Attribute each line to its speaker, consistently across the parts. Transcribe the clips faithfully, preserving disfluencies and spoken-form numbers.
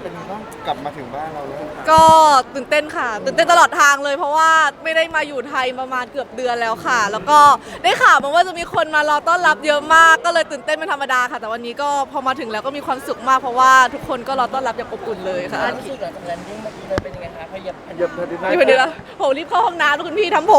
Speaker 1: เป็นไงบ้างกลับมาถึงบ้านเราแล้ว
Speaker 2: ก็ตื่นเต้นค่ะตื่นเต้นตลอดทางเลยเพราะว่าไม่ได้มาอยู่ไทยประมาณเกือบเดือนแล้วค่ะ แล้วก็ได้ข่าวมาว่าจะมีคนมารอต้อนรับเยอะมากก็เลยตื่นเต้นเป็นธรรมดาค่ะ แต่วันนี้ก็พอมาถึงแล้วก็มีความสุขมากเพราะว่าทุกคนก็รอต้อนรับอย่างอบอุ่นเลยค่ะ
Speaker 3: รู้สึกหลังจากแลนดิ้งเมื่อกี้เลยเป็นยังไงคะขยับ
Speaker 1: เหยียบเธอดีนะ
Speaker 2: นี่พอดีแล้วผมรีบเข้าห้องน้ำแล้วคุณพี่ทำผม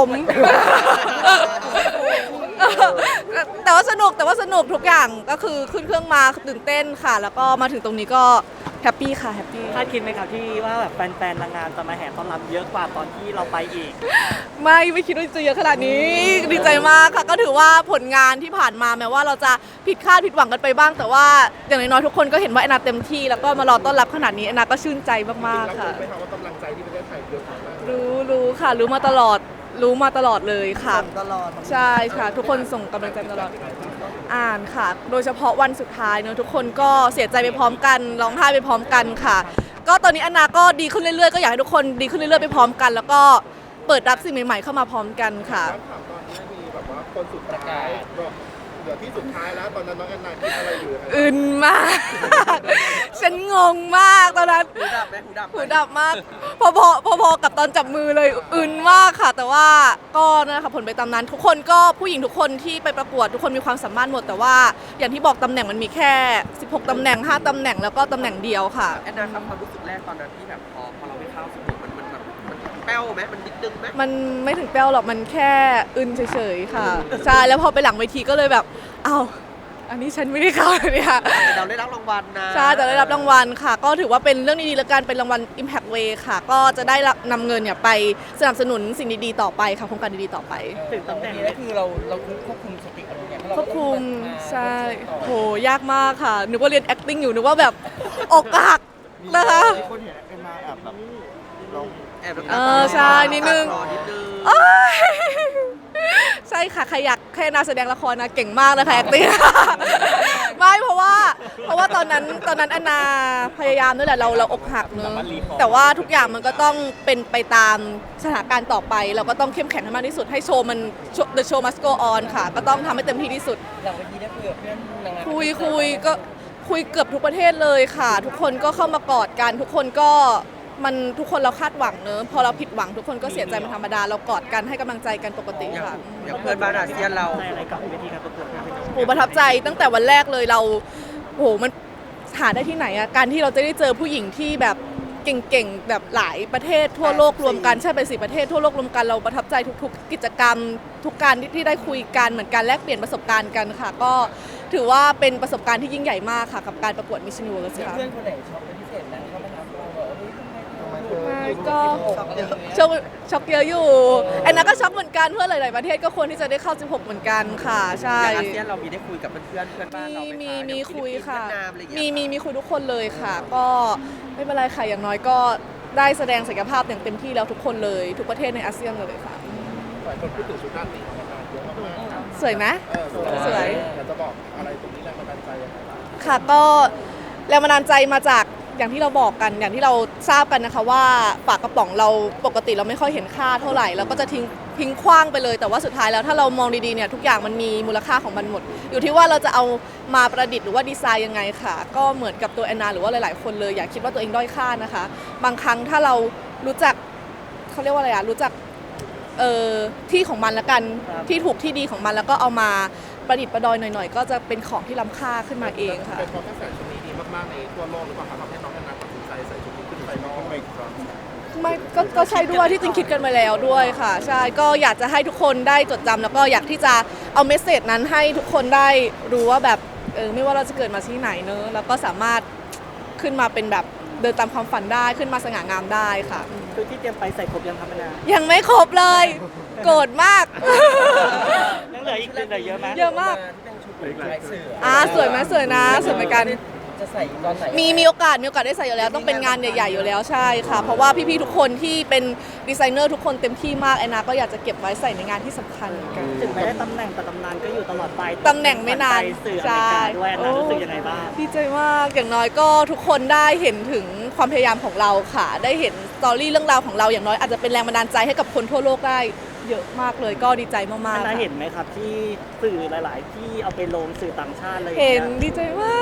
Speaker 2: แต่ว่าสนุกแต่ว่าสนุกทุกอย่างก็คือขึ้นเครื่องมาตื่นเต้นค่ะ แล้วก็มาถึงตรงนี้ก็แฮปปี้ค่ะแฮปปี้
Speaker 4: คาดคิดไหมครับที่ว่าแบบแฟนๆนางงามจะมาแห่ต้อนรับเยอะกว่าตอนที่เราไปอีก
Speaker 2: ไม่ไม่คิดว่าจะเยอะขนาดนี้ดีใจมากค่ะก็ถือว่าผลงานที่ผ่านมาแม้ว่าเราจะผิดคาดผิดหวังกันไปบ้าง แต่ว่าอย่างน้อยๆทุกคนก็เห็นว่าแอนนาเต็มที่แล้วก็มารอต้อนรับขนาดนี้แอนนาก็ชื่นใจมากๆค่ะ
Speaker 1: ไม่ทำว่ากำลังใจที่ประเทศไทยเยอะมาก
Speaker 2: รู้รู้ค่ะรู้มาตลอดรู้มาตลอดเลยค่ะ
Speaker 3: ตลอด
Speaker 2: ใช่ค่ะ ทุกคนส่งกำลังใจตลอดอ่านค่ะ โดยเฉพาะวันสุดท้ายเนอะทุกคนก็เสียใจไปพร้อมกันร้องไห้ไปพร้อมกันค่ะ ก็ตอนนี้แอนนาก็ดีขึ้นเรื่อยๆก็อยากให้ทุกคนดีขึ้นเรื่อยๆไปพร้อมกัน แล้วก็เปิดรับสิ่งใหม่ๆเข้ามาพร้อมกันค่ะ
Speaker 1: ถามตอนนี้มีแบบว่าคนสุดท้ายเหลือที่สุดท้ายแล้วตอนนั้นน้องแอนนาคิดอะไรอยู่
Speaker 2: อึนมาก ฉันงงมากตอนนั้น
Speaker 3: หูดับไหมหูดับ
Speaker 2: หูดับมากพอพอพอพอกับตอนจับมือเลยอึนมากค่ะ แต่ว่าก็นั่นแหละค่ะผลไปตามนั้น ทุกคนก็ผู้หญิงทุกคนที่ไปประกวดทุกคนมีความสามารถหมด แต่ว่าอย่างที่บอกตำแหน่งมันมีแค่สิบหกตำแหน่งห้าตำแหน่งแล้วก็ตำแหน่งเดียวค่ะ
Speaker 3: แอนนาครับความรู้สึกแรกตอนนั้นที่แบบพอพอเราไปเข้าสมุดมันมันแบบมันแป้วไหมมันดิดดึงไหม
Speaker 2: มันไม่ถึงแป้วหรอกมันแค่อึนเฉยๆค่ะใช่แล้วพอไปหลังเวทีก็เลยแบบอ้าวอันนี้ฉันไม่ได้เข้าเนี่ย
Speaker 3: แต่เราได้รับรางวัลนะ
Speaker 2: ใช่จะได้รับรางวัลค่ะ ก็ถือว่าเป็นเรื่องดีๆแล้วกันเป็นรางวัล Impact Way ค่ะ ก็จะได้รับนำเงินเนี่ยไปสนับสนุนสิ่งดีๆต่อไปค่ะโครงการดีๆต่อไป
Speaker 4: ถึงตำแหน่ง
Speaker 3: นี่คือเราเราควบคุมสติอารมณ์เนี่ย
Speaker 2: ควบคุมใช่โหยากมากค่ะนึกว่าเรียน acting อยู่นึกว่าแบบอกหักนะคะ
Speaker 1: มีคนเห็นแอนนาแอบแบบลง
Speaker 3: แอบ
Speaker 2: เออใช่นิดนึง
Speaker 3: นิดนึง
Speaker 2: โอ๊ยใช่ค่ะใครอยากแค่นาแสดงละครนะเก่งมากเลยค่ะ acting ไม่เพราะว่าเพราะว่าตอนนั้นตอนนั้นแอนนาพยายามด้วยแหละเราเราอกหักเนอะแต่ว่าทุกอย่างมันก็ต้องเป็นไปตามสถานการณ์ต่อไป เราก็ต้องเข้มแข็งให้มากที่สุดให้โชว์มัน the show must go on ค่ะ ก็ต้องทำให้เต็มที่ที่สุด
Speaker 3: หลังเวทีได้คุยกับเพื่อนนางงาม
Speaker 2: คุยคุยก็คุยเกือบทุกประเทศเลยค่ะ ทุกคนก็เข้ามากอดกันทุกคนก็มันทุกคนเราคาดหวังเนอะพอเราผิดหวังทุกคนก็เสียใจเป็นธรรมดาเรากอดกันให้กำลังใจกันปกติ
Speaker 3: อย่าง
Speaker 2: ค่ะ
Speaker 3: อย่างเพื่อนบ้านอาเซียนเรา
Speaker 4: ในอะไรกับเวทีการประกวดครับ
Speaker 2: โอ้ประทับใจตั้งแต่วันแรกเลยเราโอ้โหมันหาได้ที่ไหนอะการที่เราจะได้เจอผู้หญิงที่แบบเก่งๆแบบหลายประเทศทั่วโลกรวมกันใช่ไปสี่ประเทศทั่วโลกรวมกันเราประทับใจทุกๆ กิจกรรม ทุกการที่ได้คุยกันเหมือนการแลกเปลี่ยนประสบการณ์กันค่ะ ก็ถือว่าเป็นประสบการณ์ที่ยิ่งใหญ่มากค่ะกับการประกวด Miss Universe ค่ะ
Speaker 3: เพื่อนคนไหนชอบเป็นพิเศษนะเขามาถามเราว่าเฮ้ยทำไม
Speaker 2: ไม่ก็ช็อกช็อกเยอะอยู่แอนนาก็ช็อกเหมือนกันเพื่อนหลายๆประเทศก็ควรที่จะได้เข้าสิบหกเหมือนกันค่ะใช่
Speaker 3: อย่างอาเซียนเรามีได้คุยกับเพื่อนๆเพื่อนบ้านเรา
Speaker 2: มี
Speaker 3: ไหม
Speaker 2: มี
Speaker 3: คะ
Speaker 2: มีคุยค่ะ
Speaker 3: เวียดนามอะไรอย่าง
Speaker 2: มี
Speaker 3: เงี้ย
Speaker 2: มีมีคุยทุกคนเลยค่ะ ก็ไม่เป็นไรค่ะอย่างน้อยก็ได้แสดงศักยภาพอย่างเต็มที่แล้วทุกคนเลยทุกประเทศในอาเซียนเลยค่ะ
Speaker 1: หลายคนพูดถึงชุดด้านนี้ของแอนนาเยอะมาก
Speaker 2: สวยไหม
Speaker 1: ๆเออ
Speaker 2: สวย
Speaker 1: อยากจะบอกอะไรตรงนี้แรงบันดาลใจยังไงบ้าง
Speaker 2: ค่ะก็แรงบันดาลใจมาจากอย่างที่เราบอกกันอย่างที่เราทราบกันนะคะว่าฝากระป๋องเราปกติเราไม่ค่อยเห็นค่าเท่าไหร่เราก็จะทิ้งทิ้งขว้างไปเลย แต่ว่าสุดท้ายแล้วถ้าเรามองดีๆเนี่ยทุกอย่างมันมีมูลค่าของมันหมด อยู่ที่ว่าเราจะเอามาประดิษฐ์หรือว่าดีไซน์ยังไงค่ะ ก็เหมือนกับตัวแอนนาหรือว่าหลายๆคนเลยอย่าคิดว่าตัวเองด้อยค่านะคะ บางครั้งถ้าเรารู้จักเขาเรียกว่าอะไรอะรู้จักเอ่อที่ของมันละกันที่ถูกที่ดีของมันแล้วก็เอามาประดิษฐ์ประดอยหน่อยๆ ก็จะเป็นของที่ล้ำค่าขึ้นมาเองค่ะ
Speaker 1: เป็นเพราะกระแสชุดนี้ดีมากๆในทั่วโลกหรือเปล่าครับทำให้น้องแอนนาตัดสินใจใส่ชุดนี้ขึ้นไปนอกอีกครั้ง
Speaker 2: ไม่ก็ก็ใช่ด้วยที่จริงคิดกันมาแล้วด้วยค่ะใช่ก็อยากจะให้ทุกคนได้จดจำแล้วก็อยากที่จะเอาเมสเซจนั้นให้ทุกคนได้รู้ว่าแบบเออไม่ว่าเราจะเกิดมาที่ไหนเนอะแล้วก็สามารถขึ้นมาเป็นแบบเดินตามความฝันได้ขึ้นมาสง่างามได้ค่ะ
Speaker 4: คือที่เตรียมไปใส่ครบยังครับนา
Speaker 2: ยังไม่ครบเลยโกรธมาก
Speaker 4: ยังเหลืออีกเหลือเยอะไหม
Speaker 2: เยอะมาก
Speaker 3: ที่เป็นชุดลายเสือ
Speaker 2: อ่าสวยไหมสวยนะสวยเหมือนกัน
Speaker 3: จะใส่ตอนไหน
Speaker 2: มีมีโอกาสมีโอกาสได้ใส่อยู่แล้วต้องเป็นงานใหญ่ๆอยู่แล้วใช่ค่ะ เพราะว่าพี่ๆทุกคนที่เป็นดีไซเนอร์ทุกคนเต็มที่มากแอนนาก็อยากจะเก็บไว้ใส่ในงานที่สำคัญเหมือนกัน
Speaker 4: ถึงไม่ได้ตำแหน่งแต่ตำนานก็อยู่ตลอดไป
Speaker 2: ตำแหน่งไม่นาน
Speaker 4: ไปสื่ออเมริกาด้วยนะรู้สึกยังไงบ้าง
Speaker 2: ดีใจมากอย่างน้อยก็ทุกคนได้เห็นถึงความพยายามของเราค่ะ ได้เห็นสตอรี่เรื่องราวของเราอย่างน้อยอาจจะเป็นแรงบันดาลใจให้กับคนทั่วโลกได้เยอะมากเลยก็ดีใจมากๆ
Speaker 4: นา
Speaker 2: ค่ะ
Speaker 4: เห็นไหมครับที่สื่อหลาย ๆ ที่เอาไปลงสื่อต่างชาติอะไรอย่าง
Speaker 2: เห็
Speaker 4: เงี้
Speaker 2: น
Speaker 4: ย
Speaker 2: ดีใจมาก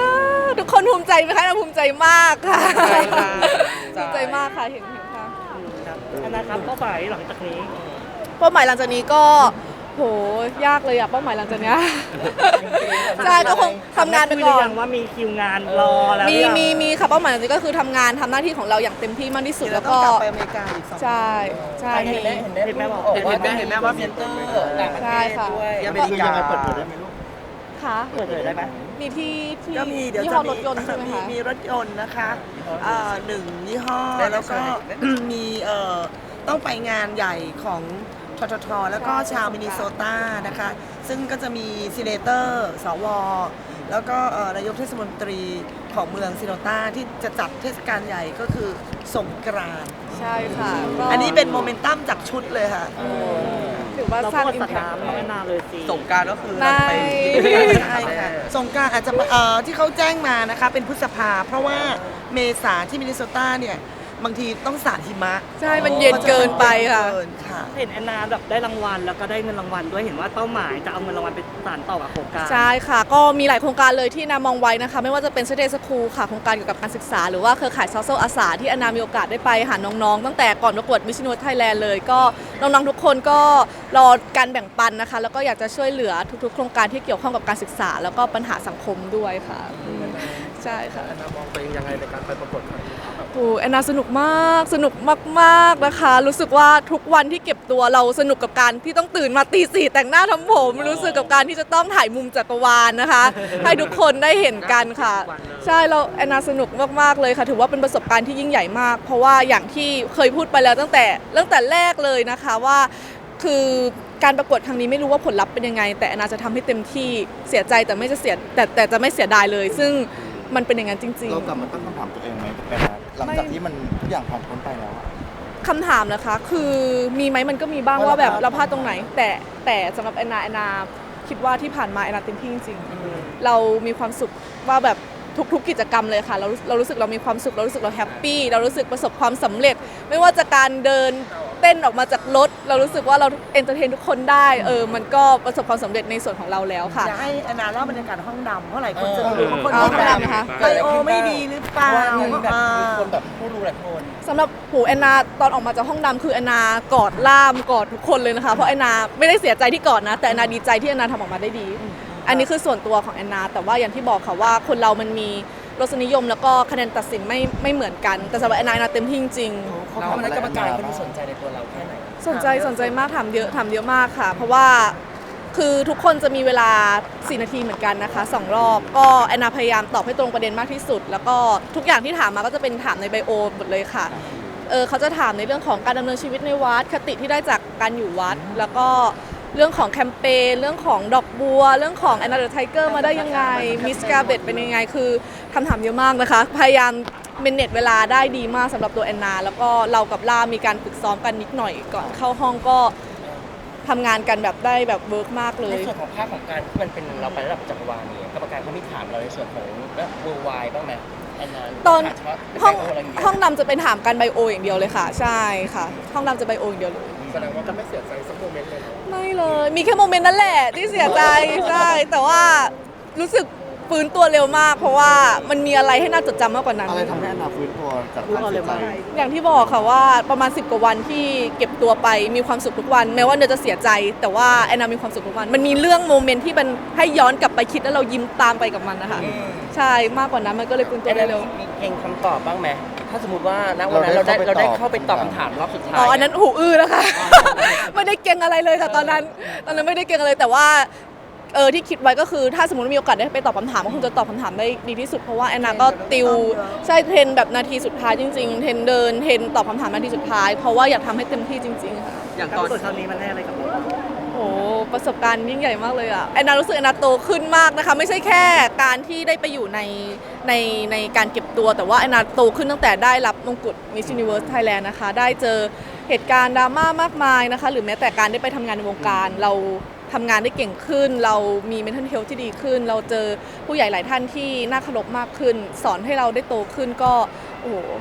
Speaker 2: ทุกคนภูมิใจไหมคะเราภูมิใจมากค่ะ
Speaker 3: ใช่ค่ะ
Speaker 2: ภูมิใจมากค่ะเห็นเห็นค่ะ
Speaker 4: ครับอันนะครับเป้าหมายหลังจากนี้
Speaker 2: เป้าหมายหลังจากนี้ก็โหยากเลยอะเป้าหมายหลังจากเนี้ย ใช่ก็คงทำงานไปก่อน
Speaker 4: ยังว่ามีคิวงานรอแล้ว
Speaker 2: มี
Speaker 4: หรือยัง
Speaker 2: มีมีค่ะเป้าหมายหลังจากนี้ก็คือทำงานทำหน้าที่ของเราอย่างเต็มที่มากที่สุด
Speaker 5: เดี๋ยว
Speaker 2: แล้ว
Speaker 5: เราต้อ
Speaker 2: ก็
Speaker 5: งกลับไปอเมริกาอีกสอง
Speaker 2: ใช่ใช่
Speaker 5: เห็น
Speaker 2: มี
Speaker 5: ไหมเห็นไหม
Speaker 4: เห็นไหมบอก
Speaker 5: บอก
Speaker 3: เห็น
Speaker 5: ว่า
Speaker 3: ไหมเห็นไหมว่า
Speaker 5: เซ็นเตอร์
Speaker 3: เออ
Speaker 5: ต่างประ
Speaker 2: ใช่
Speaker 5: เทศ
Speaker 2: ค่ะ
Speaker 5: ด้วย
Speaker 3: ที่อเม
Speaker 1: คือ
Speaker 3: ริกา
Speaker 1: ยังไงเปิดเผยได้ไหมลูก
Speaker 2: ค่ะ
Speaker 4: เปิดเผยได้ไหม
Speaker 2: มีที่ที่
Speaker 5: ก็มีเดี๋ยว
Speaker 2: ยี่
Speaker 5: จะ
Speaker 2: ห้อ
Speaker 5: มี
Speaker 2: รถยนต์ใช่ไหม
Speaker 5: มี
Speaker 2: คะ
Speaker 5: มีรถยนต์นะคะเอ่อหนึ่งยี่ห้อ
Speaker 3: ได้ไหม
Speaker 5: แล้วก็
Speaker 3: ได้ไหม
Speaker 5: มีเอ่อต้องไปงานใหญ่ของทททแล้วก็ชาวมินนิโซตานะคะ ซึ่งก็จะมีซีเนเตอร์สวแล้วก็เอ่อนายกเทศมนตรีของเมืองซิโนตาที่จะจัดเทศกาลใหญ่ก็คือสงกรานต์
Speaker 2: ใช่ค่ะก็
Speaker 5: อันนี้เป็นโมเมนตัมจากชุดเลยค่ะ
Speaker 2: ถือว่า
Speaker 4: เรา
Speaker 2: สร้าง
Speaker 4: พูด
Speaker 2: อิม
Speaker 4: สัต
Speaker 2: แพ
Speaker 4: ว์
Speaker 2: ค
Speaker 4: น้ำน้องแอนนาเลยสิ
Speaker 3: สงกรารก็คือ
Speaker 2: ไม่
Speaker 3: เราไป
Speaker 5: ใช่ค่ะสงกรานต์อาจจะเอ่อที่เขาแจ้งมานะคะเป็นพฤษภา เพราะว่าเมษาที่มินนิโซตาเนี่ยบางทีต้องสาดหิมะ
Speaker 2: ใช่มันเย็นเกินไปค่ะ
Speaker 5: เกินค่ะ
Speaker 4: เห็นแอนนาแบบได้รางวัลแล้วก็ได้เงินรางวัลด้วยเห็นว่าเป้าหมายจะเอาเงินรางวัลไปสานต่อกับโครงการ
Speaker 2: ใช่ค่ะ ก็มีหลายโครงการเลยที่นามองไว้นะคะ ไม่ว่าจะเป็น Saturday School ค่ะโครงการเกี่ยวกับการศึกษา หรือว่าเครือข่ายซอ c i อาสาที่แอนนามีโอกาสได้ไปหาน้องๆ ตั้งแต่ก่อนประกวด Miss Universe Thailand เลย ก็น้องๆทุกคนก็รอการแบ่งปันนะคะ แล้วก็อยากจะช่วยเหลือทุกๆ โครงการที่เกี่ยวข้องกับการศึกษา แล้วก็ปัญหาสังคมด้วยค่ะใช่ค่ะ
Speaker 1: แอนนามองตัวเองยังไงในการไปประกวดครั้งนี้ครับ
Speaker 2: โอ้แอนนาสนุกมากสนุกมากๆนะคะ รู้สึกว่าทุกวันที่เก็บตัวเราสนุกกับการที่ต้องตื่นมาตีสี่แต่งหน้าทำผม รู้สึกกับการที่จะต้องถ่ายมุมจักรวาลนะคะ ให้ทุกคนได้เห็นกันค่ะ ใช่เราแอนนาสนุกมากๆเลยค่ะ ถือว่าเป็นประสบการณ์ที่ยิ่งใหญ่มาก เพราะว่าอย่างที่เคยพูดไปแล้วตั้งแต่ตั้งแต่แรกเลยนะคะว่าคือการประกวดครั้งนี้ไม่รู้ว่าผลลัพธ์เป็นยังไง แต่แอนนาจะทำให้เต็มที่เสียใจแต่ไม่จะเสียแต่แต่จะไม่เสียดายเลย ซึ่งมันเป็นอย่างนั้นจริง
Speaker 6: เรา
Speaker 2: ๆ
Speaker 6: กลับมาตั้งคำถามตัวเองไหมเป็นนะหลังจากที่มันทุกอย่างผ่านพ้นไปแล้วอะ
Speaker 2: คำถามนะคะ คือมีไหมมันก็มีบ้างว่าแบบเราพลาดตรงไหน แต่แต่สำหรับแอนนาแอนนาคิดว่าที่ผ่านมาแอนนาเต็มที่จริงๆเรามีความสุขว่าแบบทุกๆกิจกรรมเลยค่ะเราเรารู้สึกเรามีความสุขเรารู้สึกเราแฮปปี้เรารู้สึกประสบความสำเร็จ ไม่ว่าจะการเดินเต้นออกมาจากรถ เรารู้สึกว่าเราเอนเตอร์เทนทุกคนได้เออมันก็ประสบความสำเร็จในส่วนของเราแล้วค่ะ
Speaker 5: อยากให้แอนนาเล่าบรรยากาศห้องดำเพราะหลายคนจะ
Speaker 6: เออ
Speaker 5: รู้ว่าคน
Speaker 2: เอา
Speaker 5: ห้อง
Speaker 2: ห้อง
Speaker 5: ด
Speaker 2: ดำนะคะ
Speaker 5: ำไบโอไม่ดีหรือเปล่า
Speaker 6: ว่าแบบมีคนแบบ
Speaker 5: ผู้รู้หลายคน
Speaker 2: สำหรับหูแอนนาตอนออกมาจากห้องดำคือแอนนากอดล่ามกอดทุกคนเลยนะคะเพราะแอนนาไม่ได้เสียใจที่กอดนะแต่แอนนาดีใจที่แอนนาทำออกมาได้ดี อันนี้คือส่วนตัวของแอนนาแต่ว่าอย่างที่บอกค่ะว่าคนเรามันมีรสนิยมแล้วก็คะแนนตัดสินไม่ไม่เหมือนกัน แต่สำหรับแอนนาแอนนาเต็มที่จริงๆ
Speaker 6: เขาทำอะไรกรรมการเขาดูสนใจ
Speaker 2: สนใจสนใจมากถามเยอะถามเยอะมากค่ะ เพราะว่าคือทุกคนจะมีเวลาสี่นาทีเหมือนกันนะคะสองรอบก็แอนนาพยายามตอบให้ตรงประเด็นมากที่สุด แล้วก็ทุกอย่างที่ถามมาก็จะเป็นถามในไบโอหมดเลยค่ะเออเขาจะถามในเรื่องของการดำเนินชีวิตในวัดคติที่ได้จากการอยู่วัด แล้วก็เรื่องของแคมเปญเรื่องของดอกบัว เรื่องของแอนนาเดอะไทเกอร์มาได้ยังไงมิสกาเบตเป็นยังไงคือคำถามเยอะมากนะคะพยายามเมนเนจเวลาได้ดีมากสำหรับตัวแอนนาแล้วก็เรากับล่ามีการฝึกซ้อมกันนิดหน่อยก่อนเข้าห้องก็ทำงานกันแบบได้แบบเวิร์กมากเล
Speaker 7: ใน
Speaker 2: ย
Speaker 7: ส่วนของภาคของการที่มันเป็นเราไประดับจักรวาลเนี่ยกรรมการเขามีถามเราในส่วนของแบบเวอร์ไวบ้างไหมแอนนา
Speaker 2: ตอน
Speaker 7: ถามเฉพาะ
Speaker 2: ห้อง
Speaker 7: ไบโอะไรอย่างเงี้ย
Speaker 2: ห้องดำจะเป็นถามกันไบโออย่างเดียวเลยค่ะ ใช่ค่ะ ห้องดำจะไบโออย่างเดียวเลย
Speaker 1: แสดงว่าก็ไม่เสียใจสักโมเมนต์เลยเนอะ
Speaker 2: ไม่เลย มีแค่โมเมนต์นั้นแหละที่เสียใจใช่แต่ว่ารู้สึกฟื้นตัวเร็วมาก เพราะว่ามันมีอะไรให้น่าจดจำมากกว่านั้น
Speaker 6: อะไรทำให้แอนนาฟื้นตัวจากความเสียใจ
Speaker 2: อย่างที่บอกค่ะว่าประมาณสิบกว่าวันที่เก็บตัวไปมีความสุขทุกวัน แม้ว่าเนยจะเสียใจ แต่ว่าแอนนามีความสุขทุกวัน มันมีเรื่องโมเมนต์ที่มันให้ย้อนกลับไปคิดแล้วเรายิ้มตามไปกับมันนะคะใช่มากกว่านั้นมันก็เลยฟื้นตัว
Speaker 7: แอน
Speaker 2: ได้
Speaker 7: นา
Speaker 2: เร็ว
Speaker 7: มีเก่งคำตอบบ้างไหมถ้าสมมติว่าณวันนั้นเราได้
Speaker 6: เรา
Speaker 7: เรา
Speaker 6: ได้
Speaker 7: ได้
Speaker 6: เข้า
Speaker 7: เข้า
Speaker 6: ไป
Speaker 7: ไป
Speaker 6: ต
Speaker 7: ต
Speaker 6: อ
Speaker 7: อ
Speaker 6: บบ คำ
Speaker 7: คำ
Speaker 6: ถา
Speaker 7: ถาม มรอบสุดท้าย
Speaker 2: อ๋ออันนั้นหูอื้อนะคะ ไม่ได้เก่งอะไรเลยค่ะตอนนั้นตอนนั้นไม่ได้เก่งอะไรแต่ว่าเออที่คิดไว้ก็คือถ้าสมมติมีโอกาสได้ไปตอบคำถามก็คงจะตอบคำถามได้ดีที่สุดเพราะว่าแอนนาก็ติวใช่เทรนแบบนาทีสุดท้ายจริงๆเทรนเดินเทรนตอบคำถามนาทีสุดท้าย เพราะว่าอยากทำให้เต็มที่จริงๆค่ะ
Speaker 3: อย่าง
Speaker 4: การ
Speaker 3: ตอ
Speaker 4: ป
Speaker 3: น
Speaker 4: ระกวดครั้งนี้มันให้อะไรกับเรา
Speaker 2: โอ้ประสบการณ์ยิ่งใหญ่มากเลยอะแอนนารู้สึกแอนนาโตขึ้นมากนะคะไม่ใช่แค่การที่ได้ไปอยู่ในในในการเก็บตัวแต่ว่าแอนนาโตขึ้นตั้งแต่ได้รับมงกุฎ Miss Universe Thailand นะคะได้เจอเหตุการณ์ดราม่ามากมายนะคะหรือแม้แต่การได้ไปทำงานในวงการเราทำงานได้เก่งขึ้น เรามี mental health ที่ดีขึ้น เราเจอผู้ใหญ่หลายท่านที่น่าเคารพมากขึ้น สอนให้เราได้โตขึ้นก็โอ้โหเป็น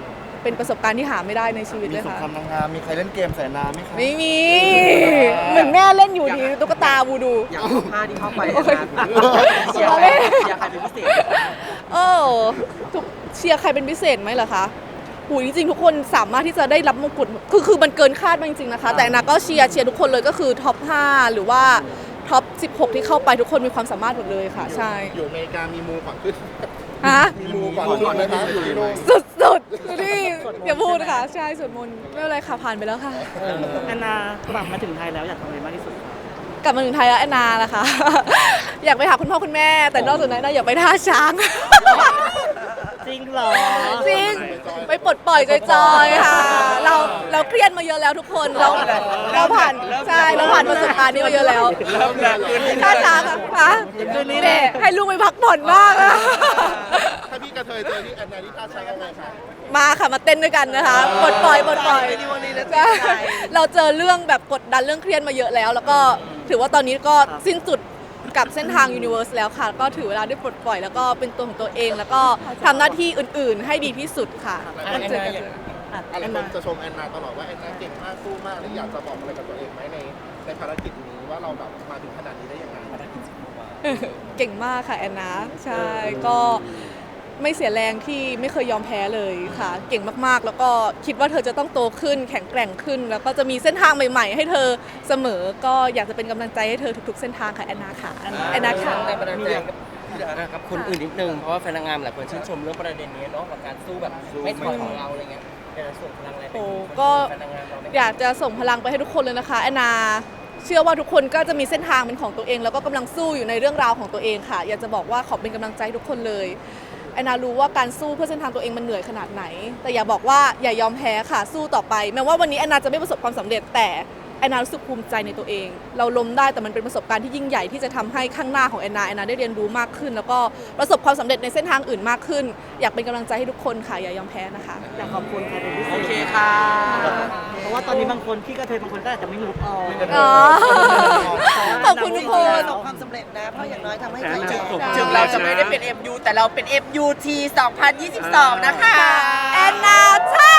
Speaker 2: เป็นประสบการณ์ที่หาไม่ได้ในชีวิต
Speaker 6: มี
Speaker 2: เลย
Speaker 6: สง
Speaker 2: ค่ะ
Speaker 6: ครามนางงามมีใครเล่นเกมใส่น้ำไหมคะ
Speaker 2: ไม่มีเหมือนแม่เล่นอยู่ดีตุ๊กตาบูดู
Speaker 3: อย่างรูปผ้าที่เข้าไป
Speaker 2: โอ้ย
Speaker 3: เชียร์ใครเชียร์ใครเป็นพิเศษ
Speaker 2: เออทุกเชียร์ใครเป็นพิเศษไหมเหรอคะหูยจริงๆทุกคนสามารถที่จะได้รับมงกุฎคือคือมันเกินคาดมากจริงๆนะคะ แต่นาก็เชียร์เชียร์ทุกคนเลยก็คือท็อปห้าหรือว่าท็อปสิบหกที่เข้าไปทุกคนมีความสามารถหมดเลยค่ะ ใช่
Speaker 1: อยู่อเมริกามีมูก่อนขึ้น
Speaker 2: ฮะ
Speaker 1: มีมูก่อนขึ้นไหมคะอยู่ที่นู่น
Speaker 2: สุดๆนี่อย่าพูดค่ะใช่สวดมนต์ไม่เป็นไรค่ะผ่านไปแล้วค่ะ
Speaker 4: แอนนากลับมาถึงไทยแล้วอยากทำอะไรมากที่สุดคะ
Speaker 2: กลับมาถึงไทยแล้วแอนนาล่ะค่ะ อยากไปหาคุณพ่อคุณแม่ แต่นอกจากนั้นนะอยากไปท่าช้าง
Speaker 4: จริงเหรอ
Speaker 2: จริงไปปลดปล่อยจอยๆค่ะ เราเราเครียดมาเยอะแล้วทุกคนเราเราผ่านใช่เราผ่านประสบการณ์นี้มาเยอะแล้ว
Speaker 3: เริ่มแล้วคืนนี้
Speaker 2: ท่าช้างอะค่ะคืนนี้เนี่ยให้ลูกไปพักผ่อนมากอะ
Speaker 1: ถ้าพี่กระเทยเจอที่แอนนาที่ท่าช้างอะไรคะ
Speaker 2: มาค่ะมาเต้นด้วยกันนะคะปลดปล่อยปลดปล่อยใช่เราเจอเรื่องแบบกดดันเรื่องเครียดมาเยอะแล้ว แล้วก็ถือว่าตอนนี้ก็สิ้นสุดกับเส้นทาง Universe แล้วค่ะ ก็ถือเวลาได้ปลดปล่อยแล้วก็เป็นตัวของตัวเอง แล้วก็ทำหน้าที่อื่นๆ ให้ดีที่สุดค่ะ
Speaker 7: แอนนาอย่าง
Speaker 1: อะไรคนจะชมแอนนาตลอดว่าแอนนาเก่งมากสู้มากแล้วอยากจะบอกอะไรกับตัวเองไหมในในภารกิจนี้ว่าเราแบบมาถึงขนาดนี้ได้ยังไง
Speaker 2: เก่งมากค่ะแอนนาใช่ก็ไม่เสียแรงที่ไม่เคยยอมแพ้เลยค่ะ เก่งมากๆ แล้วก็คิดว่าเธอจะต้องโตขึ้น แข็งแกร่งขึ้น แล้วก็จะมีเส้นทางใหม่ ๆ ให้เธอเสมอ ก็อยากจะเป็นกำลังใจให้เธอทุกๆ เส้นทางค่ะแอนนาค่ะแอนนาค่ะ
Speaker 7: แรงบันดาลใจกับคนอื่นนิดนึงเพราะว่าแฟนนางงามหลายคนชื่นชมเรื่องประเด็นนี้เนาะกับการสู้แบบไม่ถอยของเราอะไรเงี้ยอยากจะส่งพลังอะไรไป
Speaker 2: โอ้
Speaker 7: ถึง
Speaker 2: ก็
Speaker 7: แฟนนางงามเราไหม
Speaker 2: อยากจะส่งพลังไปให้ทุกคนเลยนะคะแอนนาเชื่อว่าทุกคนก็จะมีเส้นทางเป็นของตัวเอง แล้วก็กำลังสู้อยู่ในเรื่องราวของตัวเองค่ะ อยากจะบอกว่าขอเป็นกำลังใจให้ทุกคนเลยแอนนารู้ว่าการสู้เพื่อเส้นทางตัวเองมันเหนื่อยขนาดไหน แต่อย่าบอกว่าอย่ายอมแพ้ค่ะสู้ต่อไปแม้ว่าวันนี้แอนนาจะไม่ประสบความสำเร็จแต่แอนนารู้สึกภูมิใจในตัวเอง เราล้มได้แต่มันเป็นประสบการณ์ที่ยิ่งใหญ่ที่จะทำให้ข้างหน้าของแอนนาแอนนาได้เรียนรู้มากขึ้น แล้วก็ประสบความสำเร็จในเส้นทางอื่นมากขึ้น อยากเป็นกำลังใจให้ทุกคนค่ะอย่ายอมแพ้นะคะ
Speaker 4: อยากขอบคุณใครเป็นพิเศ
Speaker 3: โอ
Speaker 4: ษ
Speaker 3: เคค่ะ
Speaker 4: เพราะว่าตอนนี้บางคนพี่กระเทยบางคนก็อาจจะไม่รู้ออก
Speaker 2: อ๋อขอบคุณทุกคน
Speaker 5: ประสบความสำเร็จนะ เพราะอย่างน้อยทำให้ใครแก่
Speaker 3: ถึงเราจะไม่ได้เป็น เอ็ม ยู แต่เราเป็น เอฟ ยู ที สองพันยี่สิบสอง นะคะ
Speaker 2: แอนนาใช่